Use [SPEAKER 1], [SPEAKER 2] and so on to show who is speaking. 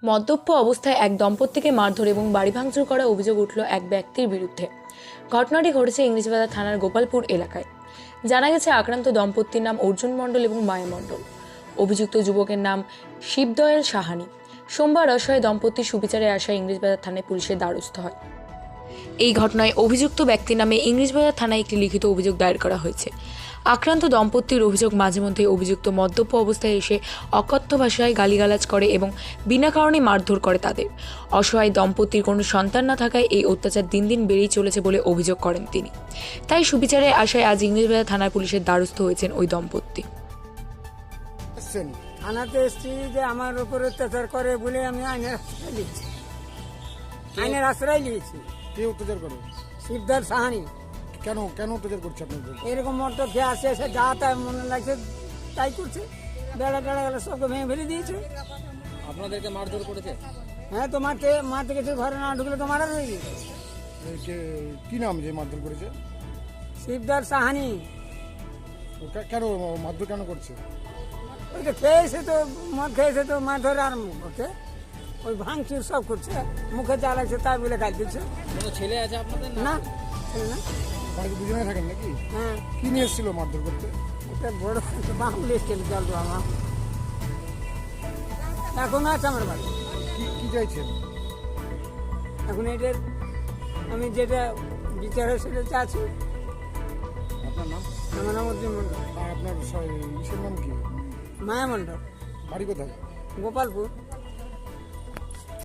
[SPEAKER 1] মদ্যপ অবস্থায় এক দম্পতিকে মারধর এবং বাড়ি ভাঙচুর করার অভিযোগ উঠল এক ব্যক্তির বিরুদ্ধে। ঘটনাটি ঘটেছে ইংরেজবাজার থানার গোপালপুর এলাকায়। জানা গেছে আক্রান্ত দম্পতির নাম অর্জুন মণ্ডল এবং মায়া মণ্ডল। অভিযুক্ত যুবকের নাম শিবদয়াল সাহানি। সোমবার অসহায় দম্পতির সুবিচারে আসায় ইংরেজবাজার থানায় পুলিশের দ্বারস্থ হয়। এই ঘটনায় অভিযুক্ত ব্যক্তির নামে ইংরেজবাজার থানায় একটি লিখিত অভিযোগ দায়ের করা হয়েছে। আক্রান্ত দম্পতির অভিযোগ, মাঝে মধ্যে অভিযুক্ত মদ্যপ অবস্থায় এসে অকথ্য ভাষায় গালিগালাজ করে এবং বিনা কারণে মারধর করে তাদের। অসহায় দম্পতির কোনো সন্তান না থাকায় এই অত্যাচার দিন দিন বেড়েই চলেছে বলে অভিযোগ করেন তিনি। তাই সুবিচারে আসায় আজ ইংরেজবাজার থানার পুলিশের দ্বারস্থ হয়েছেন ওই দম্পতি।
[SPEAKER 2] থানাতে এসছি যে আমার উপরে অত্যাচার করে বলে আমি আইনের আশ্রয় নিয়েছি। আইনের আশ্রয় নিয়েছি।
[SPEAKER 3] কে অত্যাচার করে?
[SPEAKER 2] শিবদার সাহানি।
[SPEAKER 3] কেন কেন অত্যাচার করছে আপনাদের?
[SPEAKER 2] এরকম মত খেয়ে আসে এসে যা তাই মনে লাগছে তাই করছে। বেড়া টেড়া গেলে সবকে ভেঙে ফেলে দিয়েছে।
[SPEAKER 4] আপনাদেরকে মারধর করেছে?
[SPEAKER 2] হ্যাঁ, তো মারতে গেছে, ঘরে না ঢুকলে তো মারা রয়ে গেছে।
[SPEAKER 3] কি নাম যে মারধর করেছে?
[SPEAKER 2] শিবদার সাহানি।
[SPEAKER 3] কেন মারধর কেন করছে?
[SPEAKER 2] ওই তো খেয়েছে, তো মদ খেয়েছে, তো মারধর আরম্ভ করছে। ওই ভাঙচুর সব করছে, মুখে যা লাগছে তাই বলে গাল দিচ্ছে।
[SPEAKER 4] কোনো ছেলে আছে আপনাদের?
[SPEAKER 2] না, ছেলে না।
[SPEAKER 3] বাড়িতে দুজনে থাকেন নাকি?
[SPEAKER 2] হ্যাঁ,
[SPEAKER 3] কি নিয়ে এসেছিল মারধর করতে?
[SPEAKER 2] এটা বড় বাহুল এসছিল জল আমার এখনো আছে আমার বাড়ি।
[SPEAKER 3] কি চাইছেন
[SPEAKER 2] এখন এটার আমি যেটা বিচার হয় সেটা চাচ্ছি।
[SPEAKER 3] আপনার নাম?
[SPEAKER 2] আমার নাম অর্জুন মন্ডল।
[SPEAKER 3] আর আপনার ইসের নাম কি?
[SPEAKER 2] মায়া মন্ডল,
[SPEAKER 3] বাড়ি কোথায়?
[SPEAKER 2] গোপালপুর।